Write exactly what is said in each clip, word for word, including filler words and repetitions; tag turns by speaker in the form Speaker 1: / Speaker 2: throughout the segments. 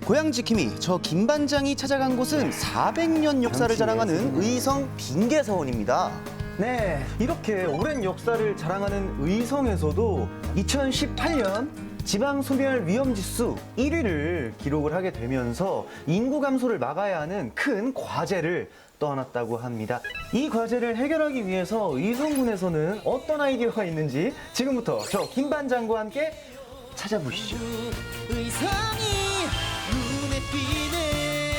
Speaker 1: 고향 지킴이 저 김반장이 찾아간 곳은 사백 년 역사를 자랑하는 의성 빙계서원입니다. 네, 이렇게 오랜 역사를 자랑하는 의성에서도 이천십팔 년 지방소멸 위험지수 일 위를 기록을 하게 되면서 인구 감소를 막아야 하는 큰 과제를 떠안았다고 합니다. 이 과제를 해결하기 위해서 의성군에서는 어떤 아이디어가 있는지 지금부터 저 김반장과 함께 찾아보시죠. 의성이 눈에 띄네.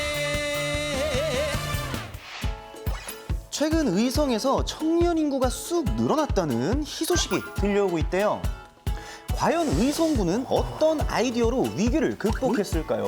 Speaker 1: 최근 의성에서 청년 인구가 쑥 늘어났다는 희소식이 들려오고 있대요. 과연 의성군은 어떤 아이디어로 위기를 극복했을까요?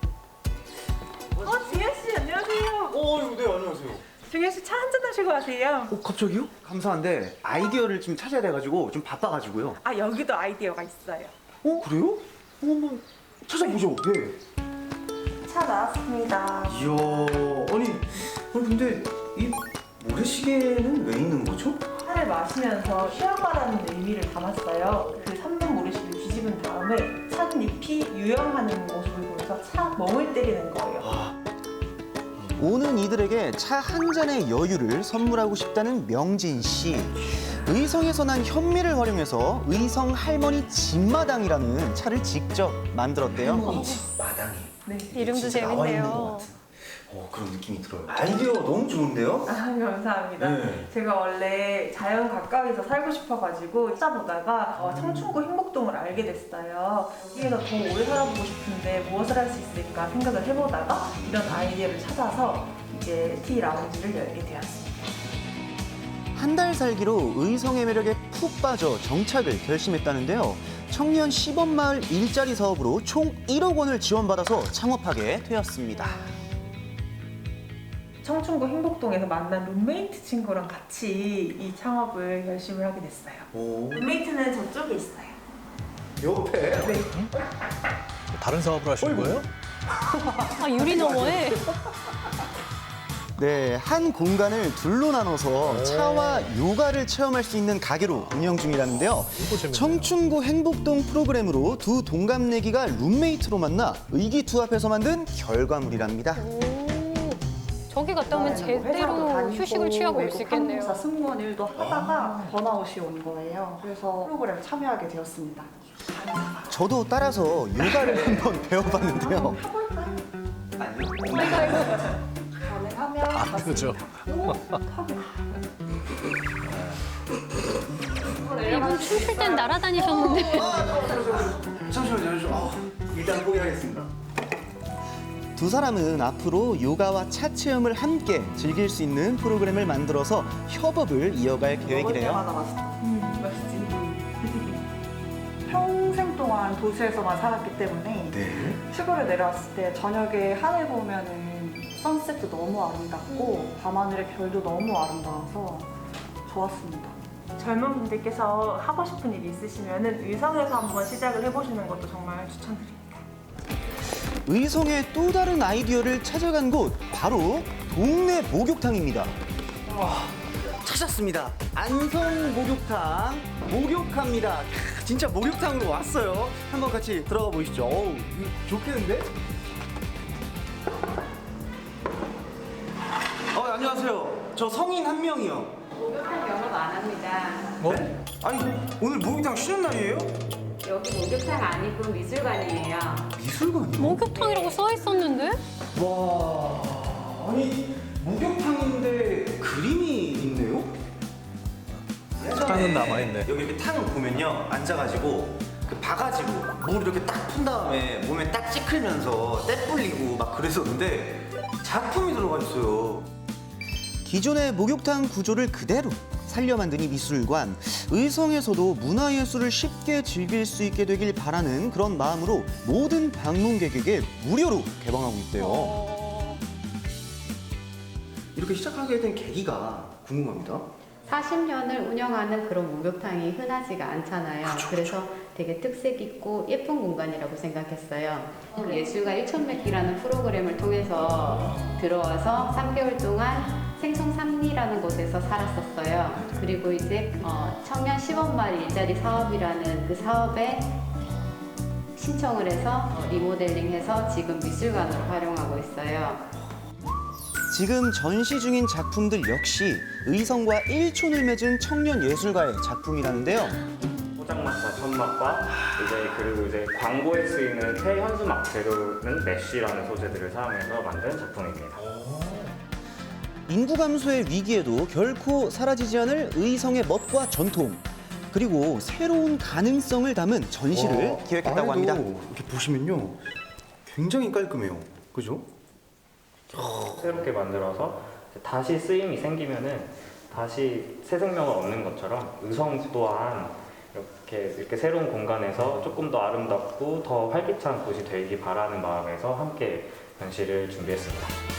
Speaker 2: 어, 중현 씨 안녕하세요.
Speaker 1: 어, 네, 안녕하세요.
Speaker 2: 중현 씨 차 한잔 하시고 가세요.
Speaker 1: 어, 갑자기요? 감사한데 아이디어를 좀 찾아야 돼가지고 좀 바빠가지고요.
Speaker 2: 아, 여기도 아이디어가 있어요.
Speaker 1: 어, 그래요? 어, 한번 찾아보죠. 네.
Speaker 2: 차 나왔습니다.
Speaker 1: 이야, 아니, 아니 근데 이 모래시계는 왜 있는 거죠?
Speaker 2: 차를 마시면서 쉬어가라는 의미를 담았어요. 그 삼 분 모래시를 뒤집은 다음에 찻잎이 유영하는 모습을 보면서 차 멍을 때리는 거예요.
Speaker 1: 아. 오는 이들에게 차 한 잔의 여유를 선물하고 싶다는 명진 씨. 의성에서 난 현미를 활용해서 의성 할머니 집마당이라는 차를 직접 만들었대요. 할머니 집마당이.
Speaker 2: 네.
Speaker 3: 이름도
Speaker 1: 진짜 나와 있는 것
Speaker 3: 재밌네요.
Speaker 1: 같은. 어, 그런 느낌이 들어요. 아이디어 너무 좋은데요?
Speaker 2: 아, 감사합니다.
Speaker 1: 네.
Speaker 2: 제가 원래 자연 가까이서 살고 싶어가지고 찾아보다가 어, 청춘구 행복동을 알게 됐어요. 여기에서 더 오래 살아보고 싶은데 무엇을 할 수 있을까 생각을 해보다가 이런 아이디어를 찾아서 이제 티 라운지를 열게 되었습니다.
Speaker 1: 한 달 살기로 의성의 매력에 푹 빠져 정착을 결심했다는데요. 청년 시범마을 일자리 사업으로 총 일억 원을 지원받아서 창업하게 되었습니다.
Speaker 2: 청춘구 행복동에서 만난 룸메이트 친구랑 같이 이 창업을 열심히 하게 됐어요.
Speaker 1: 오.
Speaker 2: 룸메이트는 저쪽에 있어요.
Speaker 1: 옆에?
Speaker 2: 네.
Speaker 4: 다른 사업을 하시는 거예요?
Speaker 3: 아, 유리 너머에?
Speaker 1: 네, 한 공간을 둘로 나눠서 차와 요가를 체험할 수 있는 가게로 운영 중이라는데요.
Speaker 4: 재밌네요.
Speaker 1: 청춘구 행복동 프로그램으로 두 동갑내기가 룸메이트로 만나 의기투합해서 만든 결과물이랍니다.
Speaker 3: 오, 저기 갔다 오면 제대로 휴식을 취하고 올 수 있겠네요.
Speaker 5: 항공사 승무원 일도 하다가 번아웃이 온 거예요. 그래서 프로그램 참여하게 되었습니다.
Speaker 1: 저도 따라서 요가를 한번 배워봤는데요.
Speaker 5: 가능하면
Speaker 4: 아, 그죠.
Speaker 3: 이분 춤출 땐 날아다니셨는데.
Speaker 1: 잠시만요, 잠시만요. 아, 일단 포기하겠습니다. 두 사람은 앞으로 요가와 차 체험을 함께 즐길 수 있는 프로그램을 만들어서 협업을 이어갈
Speaker 5: 먹을
Speaker 1: 계획이래요.
Speaker 5: 때마다 맛있어.
Speaker 2: 음, 맛있지.
Speaker 5: 평생 동안 도시에서만 살았기 때문에
Speaker 1: 네.
Speaker 5: 시골에 내려왔을 때 저녁에 하늘 보면은 선셋도 너무 아름답고 밤하늘의 별도 너무 아름다워서 좋았습니다.
Speaker 2: 젊은 분들께서 하고 싶은 일이 있으시면 의성에서 한번 시작을 해보시는 것도 정말 추천드립니다.
Speaker 1: 의성의 또 다른 아이디어를 찾아간 곳, 바로 동네 목욕탕입니다. 와, 찾았습니다. 안성 목욕탕, 목욕합니다. 크, 진짜 목욕탕으로 왔어요. 한번 같이 들어가 보시죠. 어우, 이거 좋겠는데? 어, 안녕하세요. 저 성인 한 명이요.
Speaker 6: 목욕탕 영업 안 합니다.
Speaker 4: 어?
Speaker 1: 아니, 오늘 목욕탕 쉬는 날이에요?
Speaker 6: 여기 목욕탕 아니고 미술관이에요.
Speaker 1: 미술관이요?
Speaker 3: 목욕탕이라고 써 있었는데?
Speaker 1: 와, 아니 목욕탕인데 그림이 있네요?
Speaker 4: 탕은 남아있네.
Speaker 1: 여기 이렇게 탕을 보면요, 앉아가지고 그 봐가지고 물 이렇게 딱 푼 다음에 몸에 딱 찌클면서 때 불리고 막 그랬었는데 작품이 들어가 있어요. 기존의 목욕탕 구조를 그대로 살려 만든 이 미술관, 의성에서도 문화예술을 쉽게 즐길 수 있게 되길 바라는 그런 마음으로 모든 방문객에게 무료로 개방하고 있대요.
Speaker 3: 어...
Speaker 1: 이렇게 시작하게 된 계기가 궁금합니다.
Speaker 6: 사십 년을 운영하는 그런 목욕탕이 흔하지가 않잖아요. 그래서 되게 특색 있고 예쁜 공간이라고 생각했어요. 예술가 일천 맵기라는 프로그램을 통해서 들어와서 삼 개월 동안 생송 삼리라는 곳에서 살았었어요. 그리고 이제 어, 청년 시범마을 일자리 사업이라는 그 사업에 신청을 해서 리모델링해서 지금 미술관으로 활용하고 있어요.
Speaker 1: 지금 전시 중인 작품들 역시 의성과 일촌을 맺은 청년 예술가의 작품이라는데요.
Speaker 7: 포장마차 천막과 이제 그리고 이제 광고에 쓰이는 폐현수막 재료는 메쉬라는 소재들을 사용해서 만든 작품입니다.
Speaker 1: 인구 감소의 위기에도 결코 사라지지 않을 의성의 멋과 전통, 그리고 새로운 가능성을 담은 전시를 기획했다고 합니다. 이렇게 보시면요, 굉장히 깔끔해요. 그죠?
Speaker 7: 새롭게 만들어서 다시 쓰임이 생기면은 다시 새 생명을 얻는 것처럼 의성 또한 이렇게 이렇게 새로운 공간에서 조금 더 아름답고 더 활기찬 곳이 되기 바라는 마음에서 함께 전시를 준비했습니다.